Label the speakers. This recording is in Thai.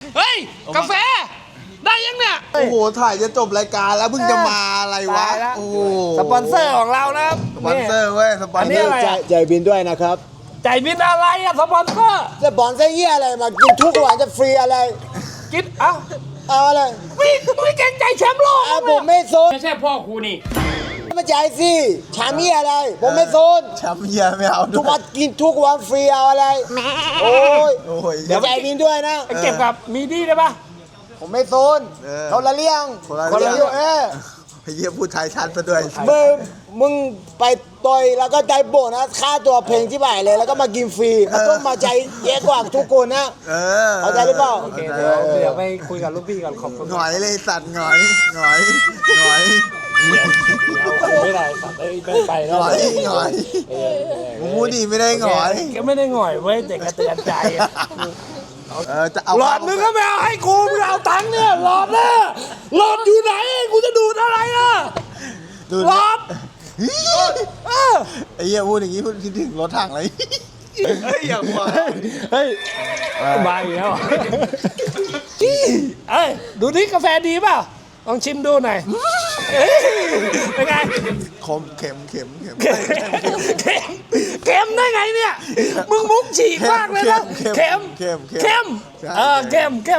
Speaker 1: เฮ้ยกาแฟได้ยังเนี่ย
Speaker 2: โอ้โหถ่ายจะจบรายการแล้วเพิ่งจะมาอะไรวะโอ้โห
Speaker 1: สปอนเซอร์ของเรานะครับ
Speaker 2: สปอนเซอร์เว้ยสปอนเซอร์
Speaker 3: จ่ายบินด้วยนะครับ
Speaker 1: จ่ายบินอะไรอะสปอนเซอร์
Speaker 3: จะบอลเสียอะไรมากินทุกวันจะฟรีอะไร
Speaker 1: กินเอ้า
Speaker 3: เอาอะไร
Speaker 1: ไม่เกรงใจแชมป์โลก
Speaker 3: ผมไม่โซน
Speaker 1: ไม่ใช่พ่อครูนี่
Speaker 3: มาจ่ายสิชามีอะไร ผมไม่โซน
Speaker 2: แชมป์เยียไม่เอา
Speaker 3: ทุกวันกินทุกวันฟรีเอาอะไรโอ้ย
Speaker 2: โอ้ย
Speaker 3: เดี๋ยวจ่ายบินด้วยนะ
Speaker 1: ไปเก็บกับมีดีได้ปะ
Speaker 3: ผมไม่โซน
Speaker 2: เออ
Speaker 3: เขาละเลี้ยง
Speaker 2: คนละเรื่อง
Speaker 3: เ
Speaker 2: ไอ้เยี่ยพูดไทยชัดไปด้วย
Speaker 3: มึงไปต่อยแล้วก็ใจโบกนะค่าตัวเพลงที่บ่ายเลยแล้วก็มากินฟรีมันต้องมาใจเยอะกว่าทุกคนนะ
Speaker 2: เออ
Speaker 3: เข้าใจหรือเปล่า
Speaker 1: โอเคเดี๋ยวไปคุยกับลูกพี่ก่อนขอบคุณ
Speaker 2: หงอยเลยสัตว์หงอยหงอยหงอย
Speaker 1: ไม่ได้สัตว์ไป
Speaker 2: ห
Speaker 1: แล้ว
Speaker 2: งอยหงอยมึงพูดดีไม่ได้หงอย
Speaker 1: ก็ไม่ได้หงอยเว้ยแต่กระเตือนใจ
Speaker 2: จะเอา
Speaker 1: หลอดมึงก็ไม่เอาให้กูมึงเอาตังค์เนี่ยหลอดเนี่ยหลอดอยู่ไหนกูจะดูดอะไรอ่ะ
Speaker 2: ดู
Speaker 1: หลอด
Speaker 2: ไอ้เหี้ยพูดอย่างนี้พูดคิดถึงรถถังเลยเฮ้ยอย่าหัว
Speaker 1: เฮ้ยมาอีกแล้วเอ้ยดูนี่กาแฟดีเปล่าลองชิมดูหน่อยเป็นไง
Speaker 2: คมเข็มเข็มเข็ม
Speaker 1: เค็มได้ไงเนี่ยมึงมุกฉีกมากเลยนะเค็ม
Speaker 2: เค็ม
Speaker 1: เค็ม